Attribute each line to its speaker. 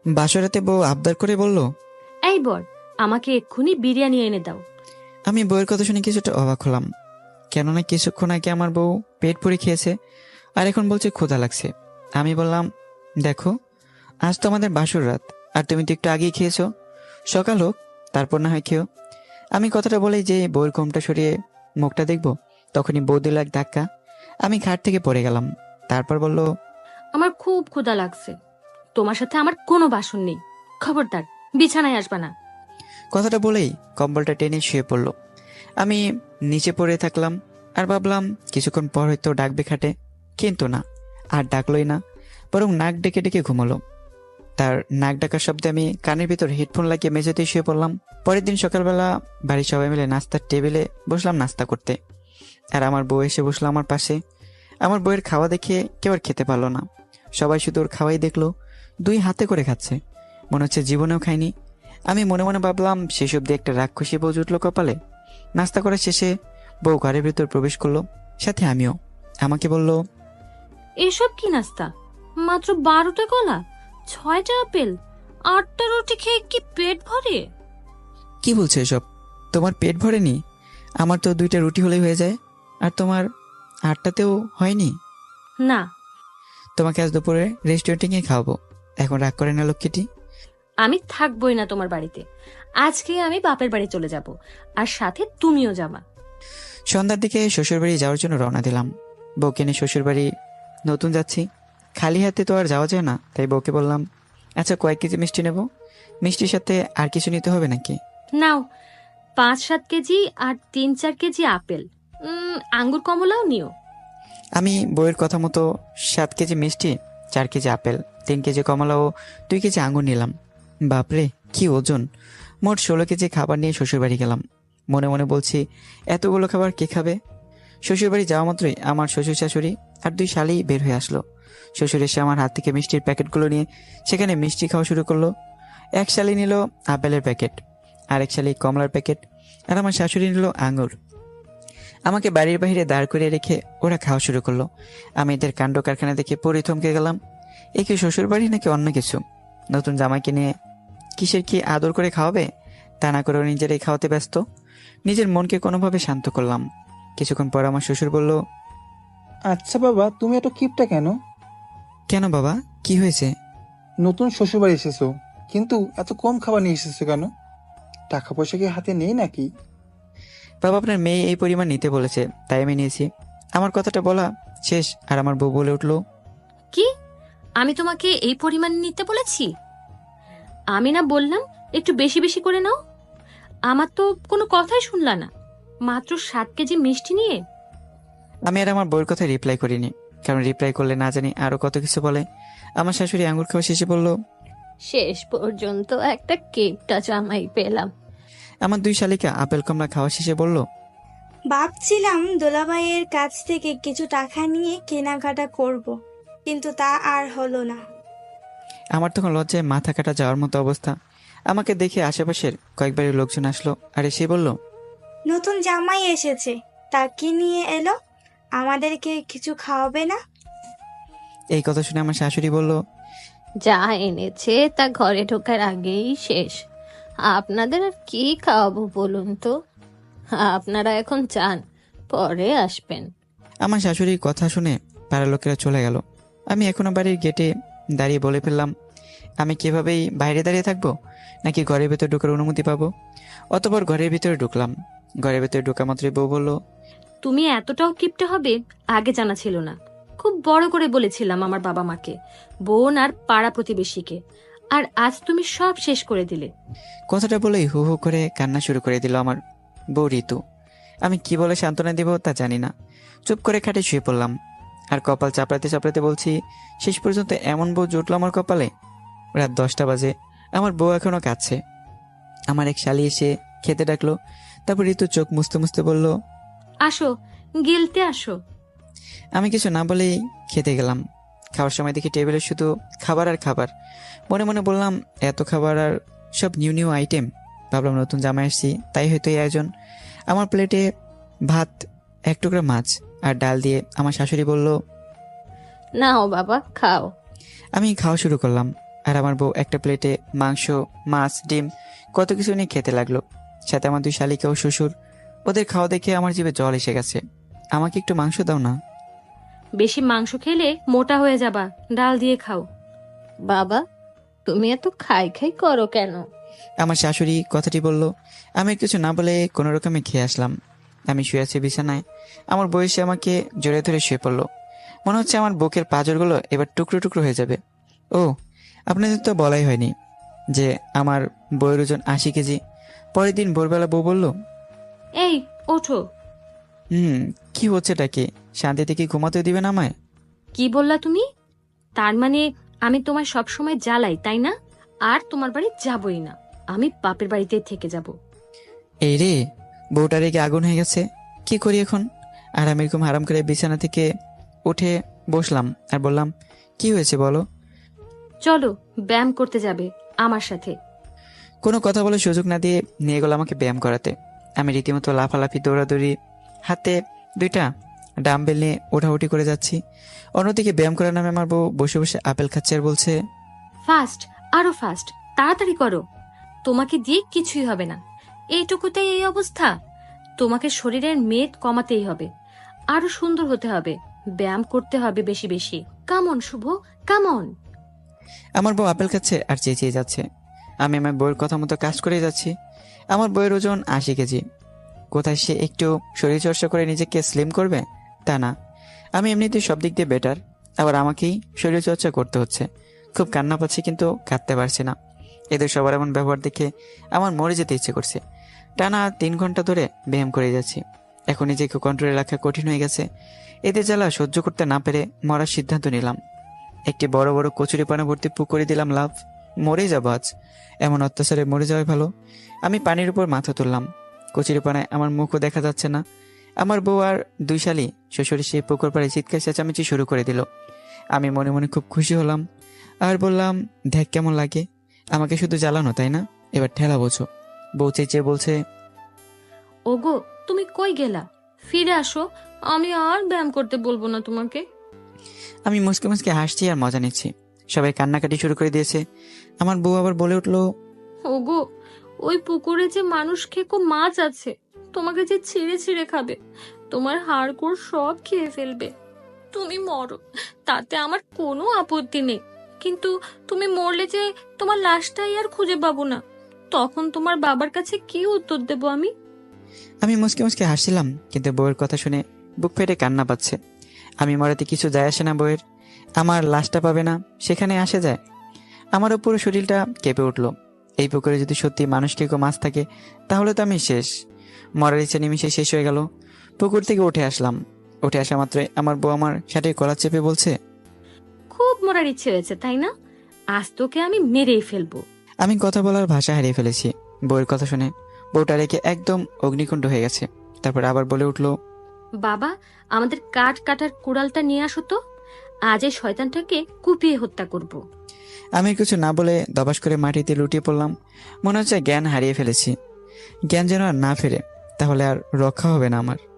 Speaker 1: বাসরাতে বউ আবদার করে বলল,
Speaker 2: এই বর, আমাকে এক্ষুনি বিরিয়ানি এনে দাও।
Speaker 1: আমি বউয়ের কথা শুনে কিছুটা অবাক হলাম, কেননা কিছুক্ষণ আগে আমার বউ পেট পুরে খেয়েছে আর এখন বলছে ক্ষুধা লাগছে। আমি বললাম, দেখো, আজ তো আমাদের বাসর রাত, আর তুমি তো একটু আগেই খেয়েছো, সকাল হোক তারপর না হয় খেও। আমি কথাটা বলেই যে বউয়ের ঘোমটা সরিয়ে মুখটা দেখবো, তখনই বউ দিল এক ধাক্কা। আমি খাট থেকে পড়ে গেলাম। তারপর বলল,
Speaker 2: আমার খুব ক্ষুধা লাগছে, তোমার সাথে আমার কোনো বাসন নেই, খবরদার বিছানায় আসবা না।
Speaker 1: কথাটা বলেই কম্বলটা টেনে শুয়ে পড়লো। আমি নিচে পড়ে থাকলাম আর ভাবলাম কিছুক্ষণ পর হয়তো ডাকবে খাটে, কিন্তু না, আর ডাকলোই না, বরং নাক ডেকে ডেকে ঘুমালো। তার নাক ডাকার শব্দে আমি কানের ভিতর হেডফোন লাগিয়ে মেঝেতে শুয়ে পড়লাম। পরের দিন সকালবেলা বাড়ির সবাই মিলে নাস্তার টেবিলে বসলাম নাস্তা করতে, আর আমার বউ এসে বসলো আমার পাশে। আমার বউয়ের খাওয়া দেখে কেউ আর খেতে পারলো না, সবাই শুধু ওর খাওয়াই দেখলো, 2 হাতে করে খাচ্ছে, মনে হচ্ছে জীবনেও খায়নি। আমি মনে মনে ভাবলাম শেষ অব্দি একটা রাক্ষসী বউ জুটলো কপালে। নাস্তা করার শেষে বউ ঘরের ভিতর প্রবেশ করলো, সাথে আমিও। আমাকে বলল,
Speaker 2: এসব কি নাস্তা? মাত্র 12টা কলা, 6টা আপেল, 8টা রুটি খেয়ে কি পেট ভরে?
Speaker 1: কি বলছো এসব? তোমার পেট ভরেনি? আমার তো 2টা রুটি হলেই হয়ে যায়, আর তোমার 8টাতেও হয়নি।
Speaker 2: না,
Speaker 1: তোমাকে আজ দুপুরে রেস্টুরেন্টে গিয়ে খাওয়াবো, এখন রাগ করে না লক্ষ্মীটি।
Speaker 2: আমি থাকবোই না তোমার বাড়িতে। আজকে আমি বাপের বাড়ি চলে যাব, আর সাথে তুমিও যাবা।
Speaker 1: সন্ধ্যার দিকে শ্বশুরবাড়ি যাওয়ার জন্য রওনা দিলাম। বউকে নিয়ে শ্বশুরবাড়ি নতুন যাচ্ছি, খালি হাতে তো আর যাওয়া যায় না, তাই বউকে বললাম, আচ্ছা কয়েক কেজি মিষ্টি নেব, মিষ্টির সাথে আর কিছু নিতে হবে নাকি?
Speaker 2: নাও, 5-7 কেজি আর 3-4 কেজি আপেল, আঙ্গুর কমলাও নিও।
Speaker 1: আমি বউয়ের কথা মতো 7 কেজি মিষ্টি, 4 কেজি আপেল, 3 কেজি কমলা ও 2 কেজি আঙুর নিলাম। বাপরে কি ওজন! মোট 16 কেজি খাবার নিয়ে শ্বশুরবাড়ি গেলাম। মনে মনে বলছি, এতগুলো খাবার কে খাবে? শ্বশুরবাড়ি যাওয়া মাত্রই আমার শ্বশুর শাশুড়ি আর 2 শালি বের হয়ে আসলো। শ্বশুর এসে আমার হাত থেকে মিষ্টির প্যাকেটগুলো নিয়ে সেখানে মিষ্টি খাওয়া শুরু করলো। এক শালি নিল আপেলের প্যাকেট, আরেক শালি কমলার প্যাকেট, আর আমার শাশুড়ি নিল আঙুর। আমাকে বাড়ির বাইরে দাঁড় করিয়ে রেখে ওরা খাওয়া শুরু করলো। আমি এদের কাণ্ড কারখানা দেখে পরে থমকে গেলাম। এ কি শ্বশুর বাড়ি নাকি অন্য কিছু? নতুন জামাইকে নিয়ে কিসের কি আদর করে খাওয়াবে, তা না করে নিজেরাই খাওয়াতে ব্যস্ত। নিজের মনকে কোনোভাবে শান্ত করলাম। কিছুক্ষণ পর আমার শ্বশুর বলল,
Speaker 3: আচ্ছা বাবা, তুমি এত কিপটা কেন?
Speaker 1: কেন বাবা, কি হয়েছে?
Speaker 3: নতুন শ্বশুরবাড়ি এসেছো, কিন্তু এত কম খাবার নিয়ে এসেছো কেন? টাকা পয়সা কি হাতে নেই নাকি?
Speaker 1: বাবা, আপনার মেয়ে এই পরিমাণ নিতে বলেছে, তাই আমি নিয়েছি। আমার কথাটা বলা শেষ আর আমার বউ বলে উঠলো,
Speaker 2: কি? আমি তোমাকে এই পরিমাণ নিতে বলেছি? আমি না বললাম একটু বেশি বেশি করে নাও? আমার তো কোনো কথাই শুনলা না, মাত্র 7 কেজি মিষ্টি নিয়ে।
Speaker 1: আমি আর আমার বউয়ের কথা রিপ্লাই করিনি, কারণ রিপ্লাই করলে না জানি আরো কত কিছু বলে। আমার শাশুড়ি আঙুর খাওয়া শেষে বলল,
Speaker 2: শেষ পর্যন্ত একটা কেপটা জামাই পেলাম।
Speaker 1: আমার 2 শালিকা আপেল কমলা খাওয়া শেষে বলল,
Speaker 4: ভাবছিলাম দোলাভাইয়ের কাছ থেকে কিছু টাকা নিয়ে কেনাকাটা করব, কিন্তু তা আর হলো না।
Speaker 1: আমার তখন লজ্জায় মাথা কাটা যাওয়ার মতো অবস্থা। আমাকে দেখে আশেপাশের কয়েকবারের লোকজন আসলো, আর এসে বলল,
Speaker 4: নতুন জামাই এসেছে, তা কি নিয়ে এলো? আমাদেরকে কিছু খাওয়াবে না?
Speaker 1: এই কথা শুনে আমার শাশুড়ি বলল,
Speaker 2: যা এনেছে তা ঘরে ঢোকার আগেই শেষ। আপনাদের আর কি খাওয়াবো বলুন তো? আপনারা এখন চান, পরে আসবেন।
Speaker 1: আমার শাশুড়ির কথা শুনে পাড়ার লোকেরা চলে গেল। আমি এখনো বাড়ির গেটে দাঁড়িয়ে বলে ফেললাম, আমি কিভাবেই বাইরে দাঁড়িয়ে থাকবো, নাকি ঘরের ভেতর ঢোকার অনুমতি পাবো? অতঃপর ঘরের ভিতরে ঢুকলাম। ঘরের ভেতরে ঢোকা মাত্রই বউ বলল,
Speaker 2: তুমি এতটাও কিপটে হবে আগে জানা ছিল না। খুব বড় করে বলেছিলাম আমার বাবা মাকে, বোন আর পাড়া প্রতিবেশীকে, আর আজ তুমি সব শেষ করে দিলে।
Speaker 1: কথাটা বলেই হু হু করে কান্না শুরু করে দিল আমার বউ ঋতু। আমি কি বলে সান্ত্বনা দিব তা জানি না, চুপ করে খাটে শুয়ে পড়লাম। আর কপাল চাপড়াতে চাপড়াতে বলছি, শেষ পর্যন্ত এমন বউ জুটলো আমার কপালে। রাত 10টা বাজে, আমার বউ এখনো কাঁদছে। আমার এক শালি এসে খেতে ডাকলো। তারপর ঋতু চোখ মুছতে মুছতে বলল,
Speaker 2: আসো, গিলতে আসো।
Speaker 1: আমি কিছু না বলেই খেতে গেলাম। খাওয়ার সময় দেখি টেবিলে শুধু খাবার আর খাবার। মনে মনে বললাম, এত খাবার আর সব নিউ নিউ আইটেম। ভাবলাম নতুন জামাই আসছি, তাই হয়তো এই আয়োজন। আমার প্লেটে ভাত, 1 টুকরা মাছ আর ডাল দিয়ে আমার শাশুড়ি বলল,
Speaker 2: নাও বাবা, খাও।
Speaker 1: আমি খাওয়া শুরু করলাম। আর আমার বউ একটা প্লেটে মাংস, মাছ, ডিম কত কিছু নিয়ে খেতে লাগলো। সাথে আমার দুই শালিকা ও শ্বশুর। ওদের খাওয়া দেখে আমার জিভে জল এসে গেছে। আমাকে একটু মাংস দাও না।
Speaker 2: বেশি মাংস খেলে মোটা হয়ে যাবা, ডাল দিয়ে খাও। বাবা, তুমি এত খাই খাই করো কেন?
Speaker 1: আমার শাশুড়ি কথাটি বলল। আমি কিছু না বলে কোনো রকমে খেয়ে আসলাম। আমি শুয়ে আছি বিছানায়। আমার বয়সে আমাকে জড়িয়ে ধরে শুয়ে পড়লো। মনে হচ্ছে আমার বুকের পাঁজরগুলো এবার টুকরো টুকরো হয়ে যাবে। ও, আপনাদের তো বলাই হয়নি যে আমার বউয়ের ওজন 80 কেজি। পরের দিন ভোরবেলা বউ বলল,
Speaker 2: এই ওঠো।
Speaker 1: কি হচ্ছেটা কি? শান্তিতে কি ঘুমাতে দিবেন আমায়?
Speaker 2: কি বললা তুমি? তার মানে আমি তোমায় সবসময় জ্বালাই, তাই না? আর তোমার বাড়ি যাবই না, আমি বাপের বাড়িতে থেকে যাব।
Speaker 1: এই রে, বউটা রেগে আগুন হয়ে গেছে। কি করি এখন? আর আমি এরকম হারাম করে বিছানা থেকে উঠে বসলাম আর বললাম, কি হয়েছে বলো।
Speaker 2: চলো ব্যায়াম করতে যাবে আমার সাথে।
Speaker 1: কোনো কথা বলে সুযোগ না দিয়ে নিয়ে গেল আমাকে ব্যায়াম করাতে। আমি রীতিমতো লাফালাফি দৌড়াদৌড়ি, হাতে 2টা ডাম্বেল নিয়ে ওঠাউঠি করে যাচ্ছি। অন্যদিকে ব্যায়াম করার নামে আমার বউ বসে বসে আপেল খাচ্ছে আর বলছে,
Speaker 2: ফাস্ট, আরো ফাস্ট, তাড়াতাড়ি করো। তোমাকে দিয়ে কিছুই হবে না, এইটুকুতেই এই অবস্থা। তোমাকে শরীরের মেদ কমাতেই হবে, আরো সুন্দর হতে হবে, ব্যায়াম করতে হবে বেশি বেশি। Come on Shubho, come on.
Speaker 1: আমার বউ আপেল খাচ্ছে আর চেঁচিয়ে যাচ্ছে। আমি আমার বউয়ের কথা মতো কাজ করে যাচ্ছি। আমার বউয়ের ওজন 80 কেজি। কোথায় সে একটু শরীরচর্চা করে নিজেকে স্লিম করবে? তা না, আমি এমনিতেই সব দিক দিয়ে বেটার, আবার আমাকেই শরীরচর্চা করতে হচ্ছে। খুব কান্না পাচ্ছি কিন্তু কাঁদতে পারছি না। এদের সবার এমন ব্যবহার দেখে আমার মরে যেতে ইচ্ছে করছে। টানা 3 ঘন্টা ধরে ব্যায়াম করে যাচ্ছি। এখন নিজেকে কন্ট্রোলে রাখা কঠিন হয়ে গেছে। এদের জ্বালা সহ্য করতে না পেরে মরার সিদ্ধান্ত নিলাম। একটি বড় বড় কচুরি পানা ভর্তি পুকুরে দিলাম লাভ। মরে যাবো আজ, এমন অত্যাচারে মরে যাওয়াই ভালো। আমি পানির উপর মাথা তুললাম। কচুরি পানায় আমার মুখও দেখা যাচ্ছে না। আমার বউ আর 2 শালি শ্বশুর সেই পুকুর পাড়ে চিৎকার চেঁচামেচি শুরু করে দিল। আমি মনে মনে খুব খুশি হলাম আর বললাম, দেখ কেমন লাগে, আমাকে শুধু জ্বালানো তাই না, এবার ঠেলা বোঝো। বউ চেঁচিয়ে বলছে,
Speaker 2: ওগো, তুমি কই গেলা? ফিরে আসো, আমি আর ব্যায়াম করতে বলবো না তোমাকে।
Speaker 1: আমি মুসকে মুসকে হাসছি আর মজা নিচ্ছি। সবাই কান্নাকাটি শুরু করে দিয়েছে। আমার বউ আবার বলে উঠলো,
Speaker 2: ওগো, ওই পুকুরে যে মানুষ খেকো মাছ আছে, তোমাকে যে ছিঁড়ে ছিঁড়ে খাবে, তোমার হাড়গোড় সব খেয়ে ফেলবে। তুমি মরো, তাতে আমার কোনো আপত্তি নেই, কিন্তু তুমি মরলে যে তোমার লাশটাই আর খুঁজে পাবো না, তখন তোমার বাবার কাছে কি উত্তর দেবো আমি?
Speaker 1: আমি মুসকে মুসকে হাসছিলাম, কিন্তু বউয়ের কথা শুনে বুক ফেটে কান্না পাচ্ছে। আমি মরাতে কিছু যায় আসে না বউয়ের। আমার লাশটা পাবে না সেখানে আসে যায়। আমারও পুরো শরীরটা কেঁপে উঠল। এই পুকুরে যদি সত্যি মানুষ কেউ মাছ থাকে তাহলে তো আমি শেষ। মরার ইচ্ছা নিমিশে শেষ হয়ে গেল। পুকুর থেকে উঠে আসলাম। উঠে আসা মাত্রই আমার বউ আমার শার্টের কলার চেপে বলছে,
Speaker 2: খুব মরার ইচ্ছে হয়েছে তাই না? আজ তোকে আমি মেরেই ফেলবো।
Speaker 1: আমি কথা বলার ভাষা হারিয়ে ফেলেছি। বউয়ের কথা শুনে বউটা রেখে একদম অগ্নিকুণ্ড হয়ে গেছে। তারপর আবার বলে উঠলো,
Speaker 2: বাবা, আমাদের কাঠ কাটার কুড়ালটা নিয়ে আসো তো, আজ এই শয়তানটাকে কুপিয়ে হত্যা করব।
Speaker 1: আমি কিছু না বলে দবাস করে মাটিতে লুটিয়ে পড়লাম। মনে হচ্ছে জ্ঞান হারিয়ে ফেলেছি। জ্ঞান যেন আর না ফেরে, তাহলে আর রক্ষা হবে না আমার।